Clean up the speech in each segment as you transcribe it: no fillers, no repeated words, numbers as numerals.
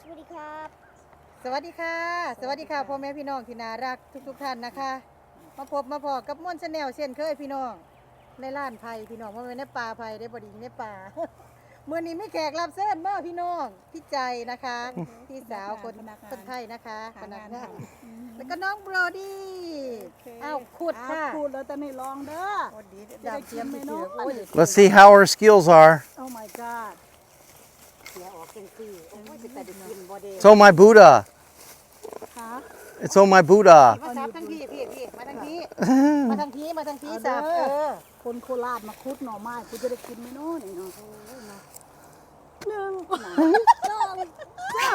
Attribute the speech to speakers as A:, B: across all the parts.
A: สวัสดีครับ
B: สวัสดีค่ะสวัสดีค่ะพ่อแม่พี่น้องที่น่ารักทุกท่านนะคะมาพบมาพอกับม่วนชาแนลเช่นเคยพี่น้องในร้านไผ่พี่น้องว่าเป็นในป่าไผ่ได้บดีในป่า เมื่อนี้ไม่แขกรับเชิญมาพี่น้องพี่ใจนะคะพี่สาวคนไทยนะคะพนักงานแล้วก็น้องโบรดี้อ้าวขุดค่ะ
C: พูดแล้วแต่ไม่ลองเด้อ
B: โอ้ดีดาวเทียมพี่เสือโอ้ย
D: Let's see how our skills are.
C: Oh my god
B: เสียออกจังซี่โอ้ยสิแต่ได้กินบ่เด้
D: It's on my Buddha.
C: ค่ะ
D: It's on my Buddha.
B: มาซับทั้งพี่มาทั้งพี่มาทั้งพี่มาทั้งพี่ซับ
C: คนโคราชมาคุดหน่อไม้กูจะได้กินไหมเนาะนี่เนาะหนึ่งสองสาม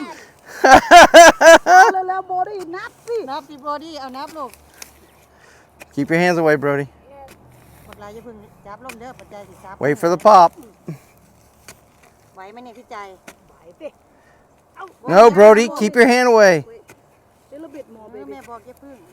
C: แล้วโบดี้นับสิ
B: นับสิโบดี้เอานับลูก
D: Keep your hands away, Brody.
B: หมดลายจะพึ่งจับลงเด้อปัจจัยสิซับ
D: Wait for the pop.
B: ไหวไหมเนี่ยพี่ใจ
C: ไหวสิ
D: No, Brody, keep your hand away.
C: เดลบิดโมเบ
B: แม่
C: บี้
B: บอกอย่าพึ่ง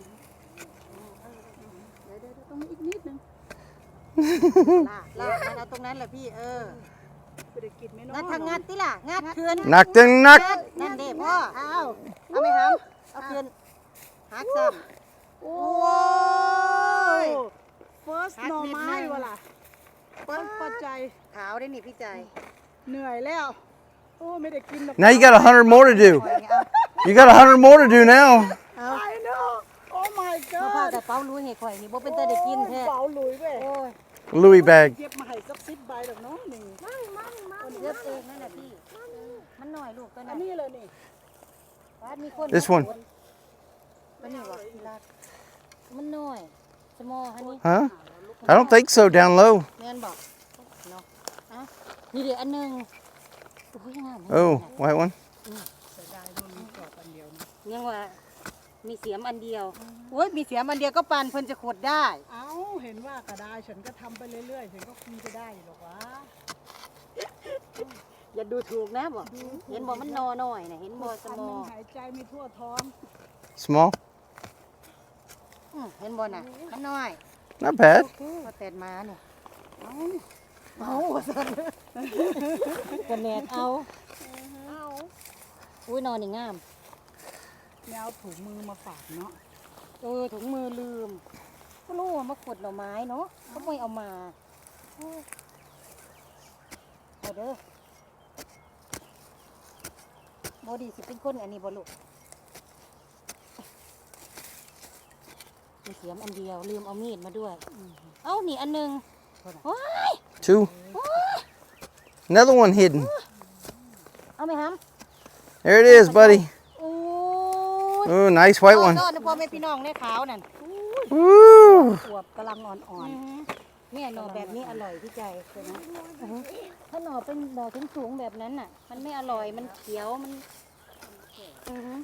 C: เดี๋ยวต้องอีกนิดนึง
B: ลากมันเอาตรงนั้นแหละพี่
C: กูได้กินไหมเนาะ
B: งัดทางงัดติล่ะงัดคืน
D: Knock them, knock.
B: นั่นเด้พ่อเอาไหมครับเอาคืนหักซ้ำ
C: โอ้
B: ย
C: first หน่อไม้วะล่ะปัจจัย
B: ขาวได้นี่พี่ใจ
C: เหนื่อยแล้วโอ้ไม่ได้กินหรอก
D: Now you got 100 more to do.
B: ปล่อยนี่เอา
D: You got 100 more to do now.
B: เอา
C: I know oh my
B: มาพา
C: god
B: แต่เป้ารู้เหตุข่อยนี่บ่เป็นแต่ได้กินแท้
C: เบาหลุยเว้ย
B: โอ้ย
D: Louis bag.
C: เย็บมาให้สัก10 ใบดอกเนาะนี่
B: คนเย็บเองนั่นแหละพี่มันหน่อยลูกตัว
C: อั
B: นั้น น
C: นี้เลยนี่
B: บ้านมีคน
D: This one.
B: มันนี่วะรักมันหน่อยสมอฮันนี่
D: Huh? I don't think so down low.
B: แม่นบอกเนาะอ่ะนี่เดี๋ยวอันหนึงโอ้ยงาม
D: Oh, white one.
C: เสียดายมันมีกรอบอันเดียวนะ
B: ยังว่ามีเสียมอันเดียวโอ้ยมีเสียมอันเดียวก็ปานเพิ่นจะขุดได้
C: เอ้าเห็นว่าก็ได้ฉันก็ทำไปเรื่อยๆฉันก็คงจะได้อยู่หรอกวะ
B: อย่าดูถูกนะบอกเห็นบอกมันนอหน่อยนะเห็นบอส
C: อัน
B: ม
C: ห
B: อ
C: นึงหายใจไม่ทั่วท้อง
D: Small.
B: เห็นบอน่ะมันน้อย
D: Not bad.
B: พอแตดมาเนี่ยเอาสันกันแนดเอาอุ้ยนอนนี่งาม
C: แนวถุงมือมาฝากเนาะ
B: ถุงมือลืมก็รู้ว่ามาขุดหน่อไม้เนาะก็ไม่เอามาเอาเด้อบอดีสิเป็นคนอันนี้บอลูกมีเสียมอันเดียวลืมเอามีดมาด้วยเอ้านี่อันหนึงว้าย
D: Two. Another one hidden.
B: เอาไหมครับ
D: There it is, buddy.
B: โอ้ย
D: Oh, nice white one.
B: ซ่อนพ่อแม่พี่น้องในขาวนั่น
D: Woo.
C: อวบกำลังอ่อน
B: เนี่ยหน่อแบบนี้อร่อยพี่ใจใช่ไหมถ้าหน่อเป็นหน่อสูงๆแบบนั้นน่ะ มันไม่อร่อยมันเขียวมันอือฮึ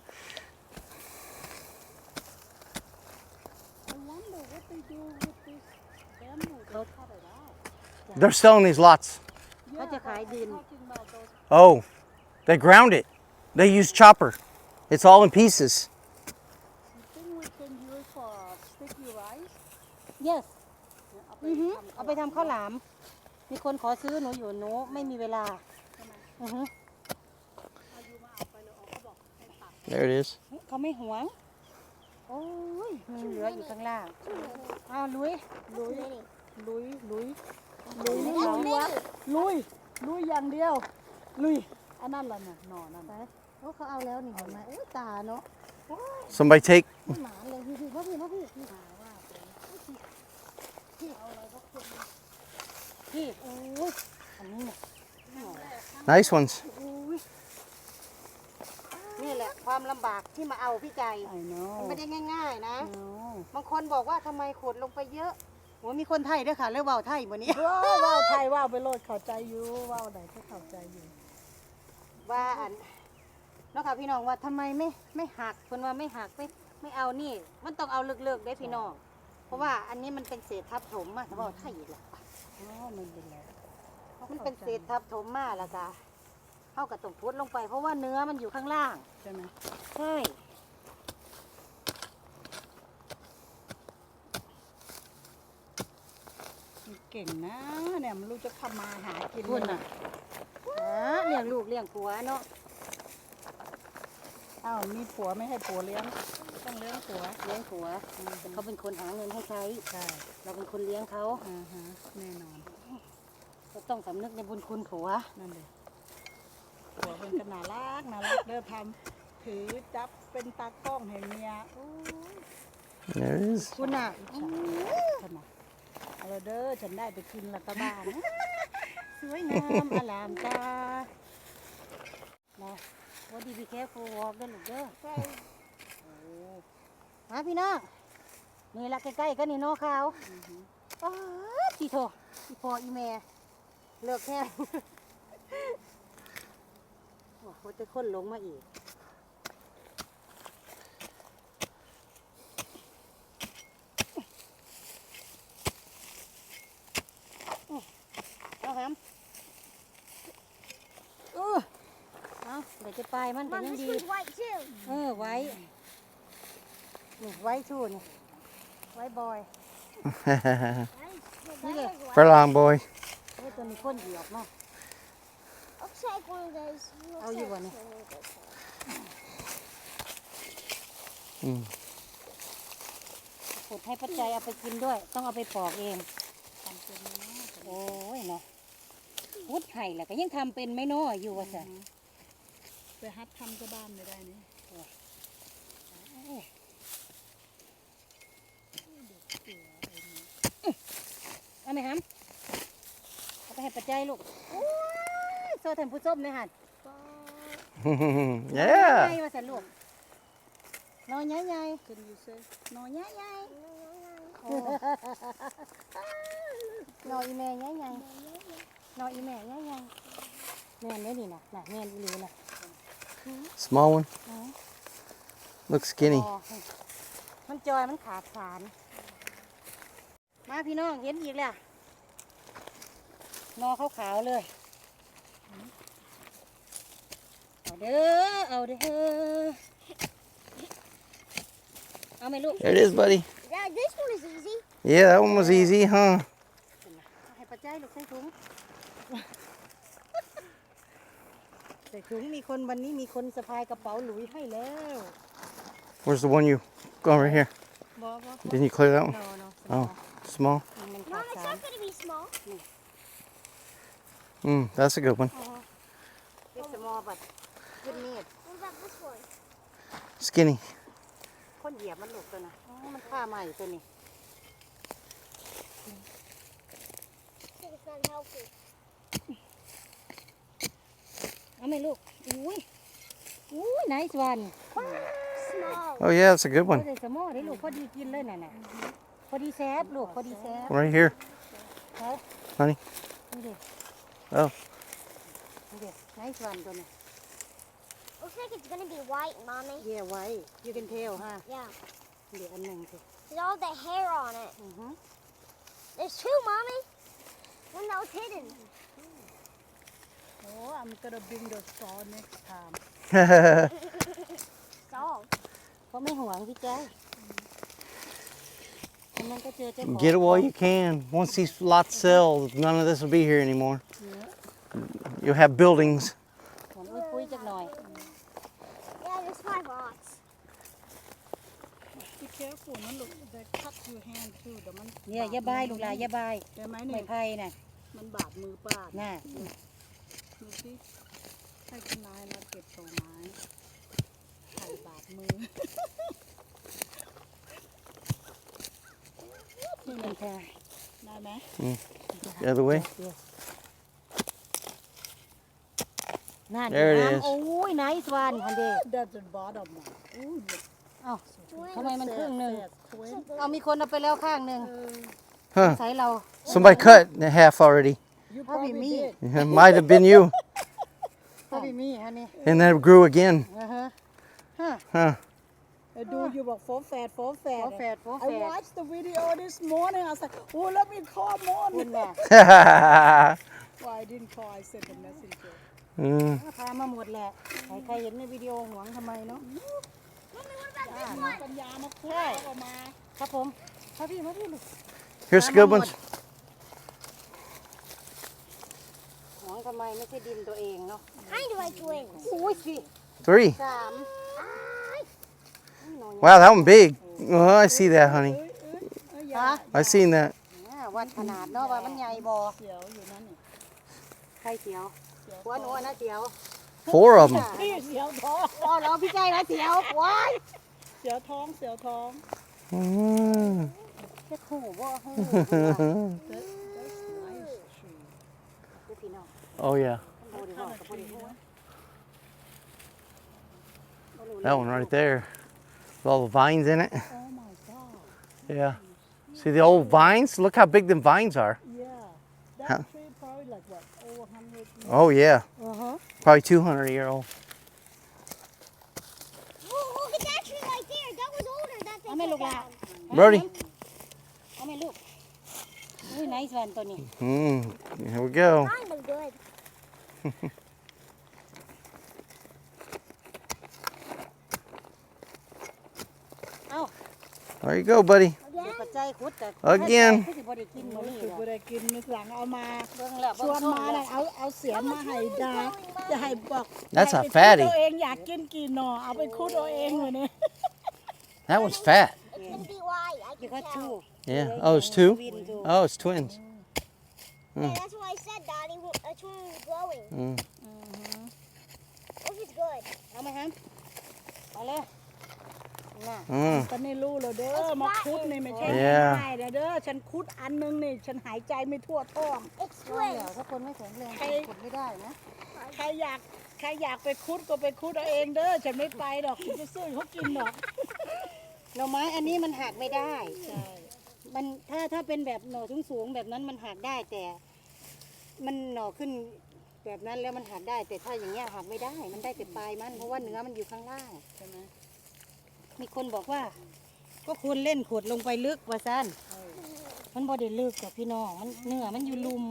D: They're selling these lots.
B: เขาจะขายดิน
D: Oh, they ground it. They use chopper. It's all in pieces.
C: You think we can use for sticky rice
B: yes เอาไปทำข้าวหลาม มีคนขอซื้อหนูอยู่หนูไม่มีเวลาอือฮึ
D: There it is.
B: เขาไม่หวงโอ้ยมีเหลืออยู่ข้างล่างอ้าวลุย
C: ลุยลุยอย่างเดียวลุยอย่างเดียวลุยอันนั้นล่ะน่ะหน่อนั่น
B: ไปโอ้เขาเอาแล้วนี่เห็นไหมโอ้ยตาเนาะ
D: Somebody take.
B: หมาเลยพี่พ่อพี่หาว่าพี่โอ้ยอันนี้เนี่ย
D: Nice ones.
B: นี่แหละความลำบากที่มาเอาพี่ใจ
C: I know
B: มันไม่ได้ง่ายๆนะ
C: no
B: บางคนบอกว่าทำไมขุดลงไปเยอะโหมีคนไทยด้วยค่ะเรื่องเบาไทยวันนี้
C: ว้าวไทยว้าวไปโลดเข้าใจอยู่ว้าวใดก็เข้าใจอยู่
B: ว่าอันเนาะค่ะพี่น้องว่าทำไมไม่หักคนว่าไม่หักไม่เอานี่ มันต้องเอาเลิกๆได้พี่น้องเพราะว่าอันนี้มันเป็นเศษทับถมมาแต่ว่าไทยอีกแหละ
C: อ๋อมันเป็นไร
B: มันเป็นเศษทับถมมาแล้วจ้ะเข้ากับตรงพุดลงไป เพราะว่าเนื้อมันอยู่ข้างล่าง
C: ใช่ไหม
B: ใช่
C: เก่งนะเนี่ยมันรู้จะทำมาหากิน
B: คุณน่ะเลี้ยงลูกเลี้ยงผัวเนาะ
C: อ้าวมีผัวไม่ให้ผัวเลี้ยงต้องเลี้ยงผัว
A: เลี้ยงผัวแต่เขาเป็นคนหาเงินให้ใช้
C: ใช่
A: เราเป็นคนเลี้ยงเขา
C: แน่นอน
A: ก็ต้องสำนึกในบุญคุณผัว
C: นั่นเลยผัวเป็นกันน่ารักเด้อทำถือจับเป็นตากล้องให้เมียโอ้ย
D: There it is.
B: คุณน่ะ
C: ขนาดเอาละเด้อฉันได้ไปกินและกะบ้านสวยงามอลามตา
A: นะว่าดีพีแคฟูวอล์กด้วยลูกเด้อ
B: มาพี่น้อง
A: นี่ละใกล้ๆก็นี่เนอขาวอ้าทีโทอีพออีแม่เลิกแค่ โอ้โหจะค้นลงมาอีกเอาครับเอาเดี๋ยวจะไปมันแต่
E: Mom,
A: ยัง
E: this
A: ดี
E: one's white too.
A: ไว้นี่ไว้ชูนี่ไว้บอย
E: Nice.
D: Furlong boy.
A: ไว้ตัวนี้ค้นเหยียบเนาะ
E: Looks like one of those. Looks
A: Oh, you
E: like
A: want it?
E: one of those.
D: Mm.
A: ขุดให้ปัจจัยเอาไปกินด้วย ต้องเอาไปปอกเองโอ้ยเนาะพุดไห่แหละก็ยังทำเป็นไหม่น้ออยู่ว่าจ้ะ
C: ไปฮัดทำกับบ้านไม่ได้นี่
A: เอาไหมครับเอาไปให้ปัจจัยลูกโอ้ยโซ่ท่านผู้ชมเลยหัน
D: Yeah.
A: ใหญ่ว่าสันลูกนอนใหญ่ใหญ่
C: Can you say
A: นอนใหญ่ใหญ่นอนอีแม่ใหญ่ใหญ่นอนอีแม่ใหญ่ใหญ่แม่นได้นี่นะน่ะแม่นอีหลีนะ
D: Small one. Looks skinny.
A: อ๋อมันจอยมันขาดสาร มาพี่น้องเห็นอีกแล้วนอขาวๆเลย เอาเด้อ เอาเด้อ เอาไหมลูก
D: There it is, buddy.
E: Yeah, this one is easy.
D: Yeah, that one was easy, huh?
A: เอาให้ปัจจัยลูกใส่ถุง ใส่ถุงมีคนวันนี้มีคนสะพายกระเป๋าหลุยให้แล้ว
D: Where's the one you go over here?
A: บอ
D: Didn't you clear that one?
A: โนโน
D: Oh, small.
A: มันขา
E: Mom,
A: ด
E: it's
A: สาร
E: not going to be small.
D: That's a good one.
A: It's small but good need
E: What about this one?
D: Skinny.
A: คนเหยียบมันลูกตัวน่ะอ๋อมันฆ่าใหม่ตัวนี้
E: I think it's not healthy.
A: เอาไหมลูก อุ้ย อุ้ย nice one
E: Small.
D: Oh, yeah, that's a good
A: พอ
D: one.
A: ได้สมอได้ลูกพอดีกินเลยน่ะน่ะพอดีแซ่บลูกพอดีแซ่บ
D: Right here.
A: เขา
D: Honey.
A: นี่เด็ก
D: Oh.
A: นี่เด็ก nice one ตัวนี้
E: Looks like it's going to be white, Mommy.
A: เย่ไว้ you can tell ฮะ
E: Yeah.
A: เดี๋ยวอันหนึ่งสิ
E: There's all the hair on it.
A: อือฮึ
E: There's two, Mommy. One that was hidden.
C: Oh I'm gonna bring the saw next time
E: It's all.
A: เพราะไม่ห่วงพี่แจ้อันนั้นก็เจอเจ้าของ
D: Get it while you can. Once these lots sell, none of this will be here anymore. You'll have buildings.
A: หอมอุ้ยปุ้ยจักหน่อย
E: Yeah, there's 5 lots.
C: Be careful นะลูก they cut your hand too เดี๋ยวมัน
A: เนี่ยอย่าบายลูกหลานอย่าบาย
C: ได้ไหม
A: ไม่
C: เนี่ย
A: ไผ่น่ะ
C: มันบาดมือป้า
A: น่ะ
C: ดูสิให้คุณนายมาเก็บต่อไม้ไข่บาดมือ
A: นี่มันแค่
C: ได้ไหม
D: The other way.
A: นั่น
D: There it
A: น้ำ
D: is.
A: โอ้ย nice one ฮันเด
C: That's the bottom one อู้ย
A: เอ้าทำไมมันครึ่งหนึ่ง
C: twin
A: เอามีคนเอาไปแล้วข้างหนึ่ง
D: Huh.
A: ใส่เรา
D: Somebody cut in half already.
C: you
A: Probably
C: probably
A: me.
C: did
D: It might have been you.
A: ก็พี่มีฮันนี่
D: And then it grew again.
A: ฮะ
D: Huh.
C: ดูอยู่บอกโฟร์แฟด
A: โฟแฝดโฟ
C: I
A: แฝด
C: watched the video this morning I was like oh let me call
A: คุณ
C: morning
A: แม่
C: why I didn't call I sent a messenger
A: พามาหมดแหละใครเห็นในวิดีโอหวงทำไมเนาะ
E: Mommy, what about this one?
C: ปัญญามาคุยออกมา
A: ครับผมมาพี่ลูก
D: Here's some good ones.
A: หวงทำไมไม่ใช่ดินตัวเองเนาะ
E: Kind of like twins.
A: อุ้ยสิ
D: Three.
A: 3
D: Wow, that one big. Oh, I see that, honey.
B: ฮะ
D: I seen that.
A: วัดขนาดเนาะว่ามันใหญ่บ่
C: เสียวอยู่นั่นนี่
A: ใครเสียวหัวหนูอะนะเสียว
D: 4 of them.
C: พี่เสียวท้อง
A: อ๋อเหรอพี่ใจนะเสียวว้าย
C: เสียวท้องเสียวท้อง
D: Mm.
A: แค่ขู่บ่เฮ้ย
C: That's nice tree
A: พี่น้อง
D: Oh yeah,
A: บ่ได้บอกกับบ่ได้หัว
D: that one right there. With all the vines in it.
C: Oh my god
D: Yeah. See the old vines? Look how big them vines are.
C: yeah that
D: Huh.
C: tree probably like what over 100 years
D: Oh yeah,
C: uh-huh
D: probably 200-year-old.
E: Oh, look at that tree right there. That was older. That they
A: เอาแม่ลู
E: cut
A: กหลา
E: down.
D: Brody.
A: เอาแม่ลูกอุ้ยไนส์วันตัวนี้
D: Here we go.
E: Mine was good.
D: There you go, buddy.
A: เดี๋ยวปัจจัยขุดแต่
D: Again
A: คือสิบ่ได้กินมื้อนี้
C: คือ
A: ดอก
C: บ่ได้กินมื้อหลังเอามา
A: เบิ่งแล้ว
C: ชวนมาเลยเอาเสียมมาให้ดาจะให้บอก
D: That's a
C: ให้ไป
D: fatty
C: คุดเอาเองอยากกินกี่หน่อเอาไปคุดเอาเองเลยเนี่ย
D: That one's fat.
E: It's gonna be why. I
A: อยู่
E: can
A: ก็
E: tell.
A: ชู
D: Yeah. Oh, it's 2?
A: วินดู
D: Oh, it's twins.
E: Yeah, that's what I said, Daddy. That's when it was growing.
D: Mm.
E: Hope it's good.
A: เอาไหมครับเอาเลยน่ะ
D: Mm.
C: ตอนนี้รู้แล้วเด้อมาคุดนี่ไม่ใช่
D: Yeah.
C: ง่ายๆเด้อฉันคุดอันนึงนี่ฉันหายใจไม่ทั่วท้อง
E: It's
A: ช่วยเหรอ
E: twins.
A: ถ้าคนไม่แข็งแรงขุดไม่ได้นะ
C: ใครอยากไปคุดก็ไปคุดเอาเองเด้อฉันไม่ไปดอกฉันจะซื้อเขากินดอก
A: หน่อไม้อันนี้มันหักไม่ได้
C: ใช่
A: มันถ้าเป็นแบบหน่อสูงๆแบบนั้นมันหักได้แต่มันหน่อขึ้นแบบนั้นแล้วมันหักได้ แต่ถ้าอย่างเงี้ยหักไม่ได้ มันได้แต่ปลายมันเพราะว่าเนื้อมันอยู่ข้างล่าง
C: ใช่ไหม
A: มีคนบอกว่า ก็ควรเล่นขุดลงไปลึกว่าซั่นมันบ่ได้ลึกกับพี่น้องมันเนื้อมันอยู่ลุม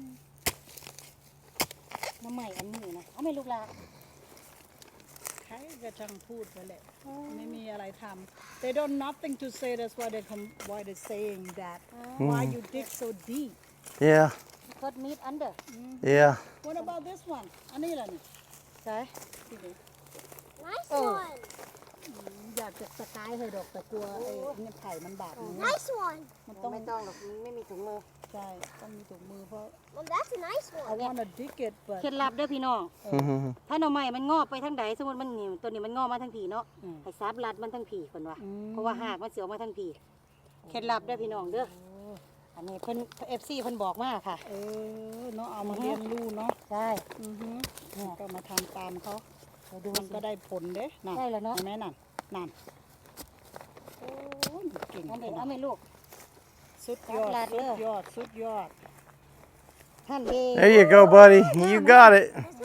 A: น้ำใหม่อันนี้นะเอาไม่ลูกลา
C: ใครก็ช่างพูดไปแหละไม่มีอะไรทำ they don't nothing to say that's why they saying that why you dig so deep
D: Yeah.
A: Put meat under
D: Yeah.
C: what about this one อันนี้ล่ะนี่
A: ใช่
E: Nice
A: Oh.
E: one.
C: อยากจะสกายให้ดอกแต่กลัวไอ้เนี่ยไผ่มันบาดมือ
E: Nice one.
C: มันต้อง
A: ไม่ต้องหรอกมันไม่มีถุงมือ
C: ใช่ต้องมีถุงมือเพราะ
E: Well, that's a nice
C: I
E: one.
C: wanna dig it but
A: เคล็ดลับเด้อพี่น้อง
D: Mhm.
A: ถ้าหน่อไม้มันงอกไปทางใดสมมติมันนี่ตัวนี้มันงอกมาทางผีเนาะ
C: อืม
A: ให้ซับรัดมันทางผีคนว่า
C: อืม
A: เพราะว่าหากมันเสียวมาทางผีเคล็ดลับเด้อพี่น้องเด้ออันนี้เพิ่น FC เพิ่นบอกมาค่ะ
C: เนาะเอามาเรียนรู้เนาะ
A: ใช่
C: อือฮึก็มาทำตามเขา
A: เดี๋ยวดู
C: มันก็ได้ผลเด้นั่น
A: ได้แล้วเนาะ
C: เห็นไหมนั่นโอ้ยเก่ง
A: เอา
C: ข
A: ไป
C: นา
A: เอา
C: ด
A: ไปลูก
C: สุดยอด
A: รับลาด
C: สุ
A: เด้
C: ด
A: อ
C: ยอดสุดยอด
A: ท่านเด้
D: There you go, buddy. You got it.
E: This